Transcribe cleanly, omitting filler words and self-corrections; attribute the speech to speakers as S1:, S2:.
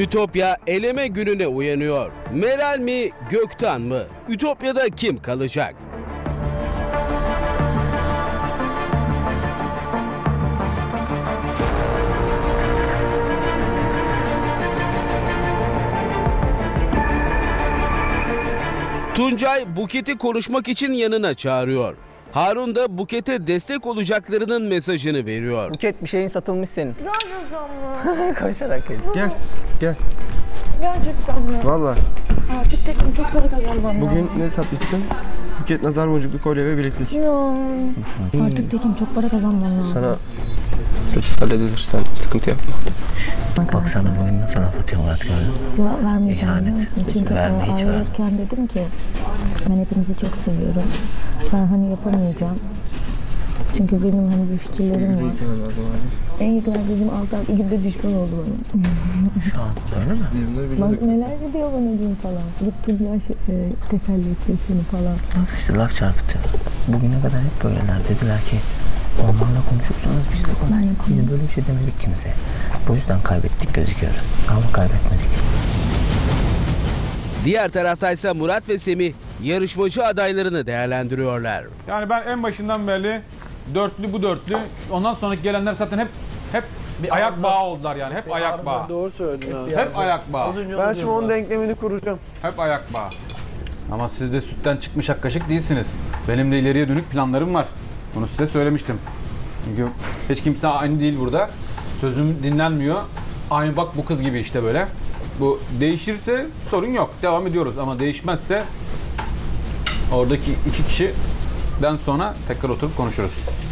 S1: Ütopya eleme gününe uyanıyor. Meral mi, Gökten mı? Ütopya'da kim kalacak? Tuncay Buket'i konuşmak için yanına çağırıyor. Harun da Buket'e destek olacaklarının mesajını veriyor.
S2: Buket, bir şeyin satılmış senin.
S3: Gerçekten mi?
S2: Koşarak gel.
S4: Gel.
S3: Gerçekten mi?
S4: Valla.
S3: Artık tekim çok para kazanmam
S4: Bugün ne satmışsın? Buket nazar boncuklu kolye ve bileklik.
S3: Ya. Artık tekim çok para kazanmam lazım.
S4: Sana halledilir, sen sıkıntı yapma.
S5: Bak sana bu oyunda sana atıyor artık öyle.
S3: Cevap vermeyeceğim biliyor
S5: İhanet.
S3: musun? Çünkü
S5: Verme, hiç verme.
S3: ayrılırken dedim ki ben hepinizi çok seviyorum. Ben hani yapamayacağım. Çünkü benim hani bir fikirlerim var. En yakın arkadaşım 6 ay günde düşman oldu bana.
S5: Şu an öyle mi?
S3: Bak neler diyor bana diyeyim falan. Git Tuncay teselli etsin seni falan.
S5: Laf işte laf çarpıtıyor. Bugüne kadar hep böyleler dediler ki onlarla konuşursanız biz de konuşuruz. Biz böyle bir şey demedik kimse. Bu yüzden kaybettik gözüküyoruz. Ama kaybetmedik.
S1: Diğer taraftaysa Murat ve Semih yarışmacı adaylarını değerlendiriyorlar.
S6: Yani ben en başından beri dörtlü bu dörtlü. Ondan sonraki gelenler zaten hep bir ayak bağı oldular yani. Hep ayak bağı.
S7: Doğru söyledin abi.
S6: Hep ayak bağı.
S7: Ben şimdi onun denklemini kuracağım.
S6: Hep ayak bağı. Ama siz de sütten çıkmış ak kaşık değilsiniz. Benim de ileriye dönük planlarım var. Bunu size söylemiştim. Çünkü hiç kimse aynı değil burada. Sözüm dinlenmiyor. Aynı bak bu kız gibi işte böyle. Bu değişirse sorun yok. Devam ediyoruz ama değişmezse oradaki iki kişiden sonra tekrar oturup konuşuruz.